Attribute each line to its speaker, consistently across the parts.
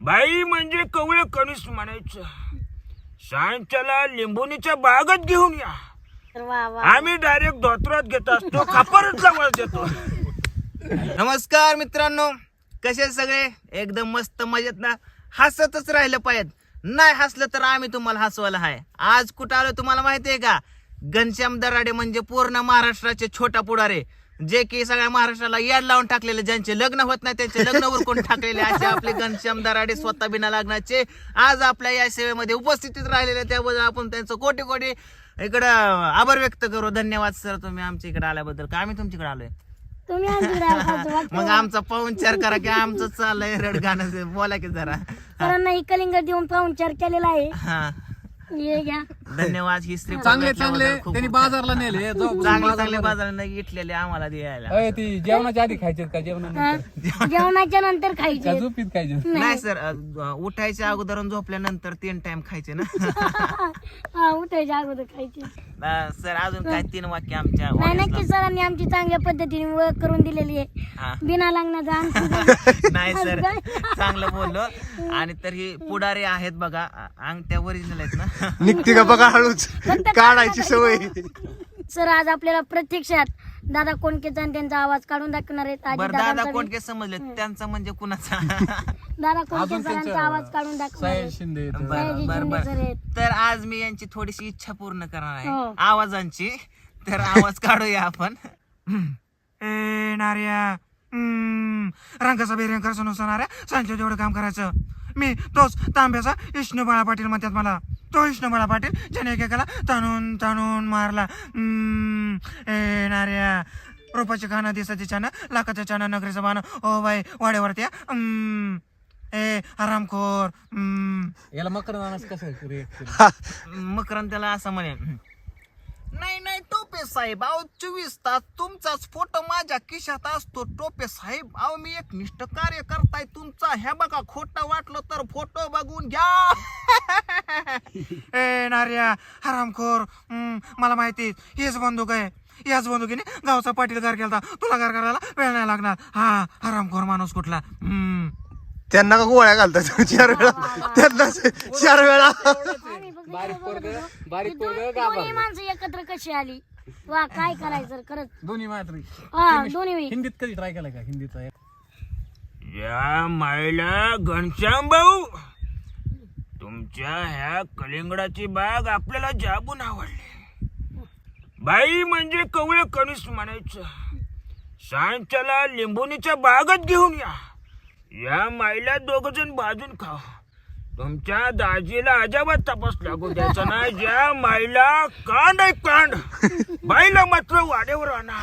Speaker 1: बाई म्हणजे कवळे कणीस म्हणायचं. सांच्याला लिंबुनीच्या बागत घेऊन या. आम्ही डायरेक्ट धोत्रात घेत असतो, खापरच जवळ देतो.
Speaker 2: नमस्कार मित्रांनो, कसे सगळे? एकदम मस्त मजेत ना? हसतच राहिलं पाहिजे. नाही हसलं तर आम्ही तुम्हाला हसवायला आहे. आज कुठं आलो तुम्हाला माहिती आहे का? घनश्याम दराडे म्हणजे पूर्ण महाराष्ट्राचे छोटा पुढारे, जे की सगळ्या महाराष्ट्राला याड लावून टाकलेले, ज्यांचे लग्न होत नाही त्यांचे लग्न उरकून टाकलेले असे आपले घनश्याम दराडे स्वतः बिना लग्नाचे आज आपल्या या सेवेमध्ये उपस्थितीत राहिलेले. त्याबद्दल आपण त्यांचं कोटी कोटी इकडं आभार व्यक्त करू. धन्यवाद सर, तुम्ही आमच्या इकडे आल्याबद्दल. का आम्ही तुमच्याकडे आलोय? मग आमचा पाहुणचार करा की आमचं चाललंय रड गाणं, बोला की जरा.
Speaker 3: सरांना कलिंगड देऊन पाहुणचार केलेला आहे.
Speaker 2: हा
Speaker 3: हे घ्या.
Speaker 2: धन्यवाद. ही स्त्री
Speaker 4: चांगले त्यांनी बाजारला नेले.
Speaker 2: चांगले बाजारात घेतलेले आम्हाला द्यायला.
Speaker 4: ती जेवणाच्या आधी खायचे का
Speaker 3: जेवणाच्या नंतर खायचे?
Speaker 4: झोपीत खायचे?
Speaker 2: नाही सर, उठायच्या अगोदर झोपल्यानंतर 3 टाइम खायचे ना.
Speaker 3: उठायच्या अगोदर खायचे.
Speaker 2: सर अजून काय 3 वाक्य आमच्या
Speaker 3: नाही, नक्की सरांनी आमची चांगल्या पद्धतीने ओळख करून दिलेली आहे बिना लग्नाचा.
Speaker 2: नाही सर, चांगलं बोललो. आणि तर ही पुढारी आहेत बघा, अंगठ्या ओरिजिनल आहेत ना.
Speaker 5: निघते का बघा, हळूच काढायची सवय.
Speaker 3: सर आज आपल्याला प्रत्यक्षात दादा कोंडकेचा आणि त्यांचा आवाज काढून दाखवणार आहेत.
Speaker 2: बरं, दादा कोंडके समजले, त्यांचा म्हणजे कुणाचा?
Speaker 3: दादा कोंडके सरांचा आवाज काढून दाखवणार आहेत.
Speaker 4: शिंदे
Speaker 2: बर. तर आज मी यांची थोडीशी इच्छा पूर्ण करणार आहे आवाजांची. तर आवाज काढूया आपण.
Speaker 1: ए नार्या, रंगाचा बेरंग सणाऱ्या सांच्या जेवढं काम करायचं. मी तोच तांब्याचा विष्णू बाळा पाटील म्हणतात मला. तो विष्णू बाळा पाटील ज्याने एकेकाला ताणून ताणून मारला. ए नार्या, रोपाचे खाणं, दिसाचे छान, लाखाचं छान, नगरीचं बाण, ओ बाई वाड्यावरती ए आरामखोर.
Speaker 4: याला मकरंद कसं रिएक्ट
Speaker 2: मकरंद त्याला असं म्हणे, नाही टोपे साहेब, अहो 24 तास तुमचाच फोटो माझ्या खिशात असतो. टोपे साहेब, अहो मी एक निष्ठ कार्य करताय तुमचा. ह्या बघा, खोटं वाटलं तर फोटो बघून घ्या.
Speaker 1: ए नार्या हरामखोर, मला माहिती हेच बंदूक आहे. याच बंदुकीने गावचा पाटील गार केला. तुला गार करायला वेळ नाही लागणार. हा हरामखोर माणूस कुठला.
Speaker 5: त्यांना का गोळ्या घालतात 4 वेळा? त्यांना 4 वेळा.
Speaker 4: बारीक
Speaker 3: दोन्ही माणसं एकत्र कशी आली? वा, काय करायचं खरंच.
Speaker 4: दोन्ही मात्र
Speaker 3: दोन्ही
Speaker 4: हिंदीत कधी ट्राय केला का? हिंदीचा
Speaker 1: या मायला घनश्याम भाऊ, तुमच्या ह्या कलिंगडाची बाग आपल्याला जाबून आवडली. बाई म्हणजे कवळे कणीस म्हणायचं. सांच्याला लिंबुनीच्या बागत घेऊन या. या मायला 2 जण भाजून खाव. तुमच्या दाजीला अजाबात तपास लागू द्यायचा नाही. ज्या मायला कांड आहे कांड, बाईला मात्र वाड्यावर आणा.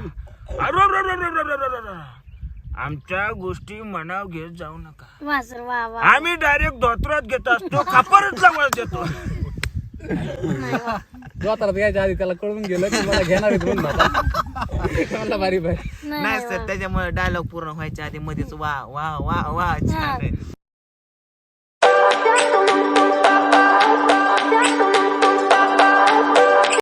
Speaker 1: आमच्या गोष्टी मनाव घेत जाऊ नका.
Speaker 3: वा सर, वा वा.
Speaker 1: आम्ही डायरेक्ट धोत्रात घेत असतो, खापरच जवळ देतो.
Speaker 4: जोतारात यायच्या आधी त्याला कळून गेलं की मला घेणार मला भारी भाई.
Speaker 2: नाही सर, त्याच्यामुळे डायलॉग पूर्ण व्हायच्या आधी मध्येच वा वा वा वा छान आहे.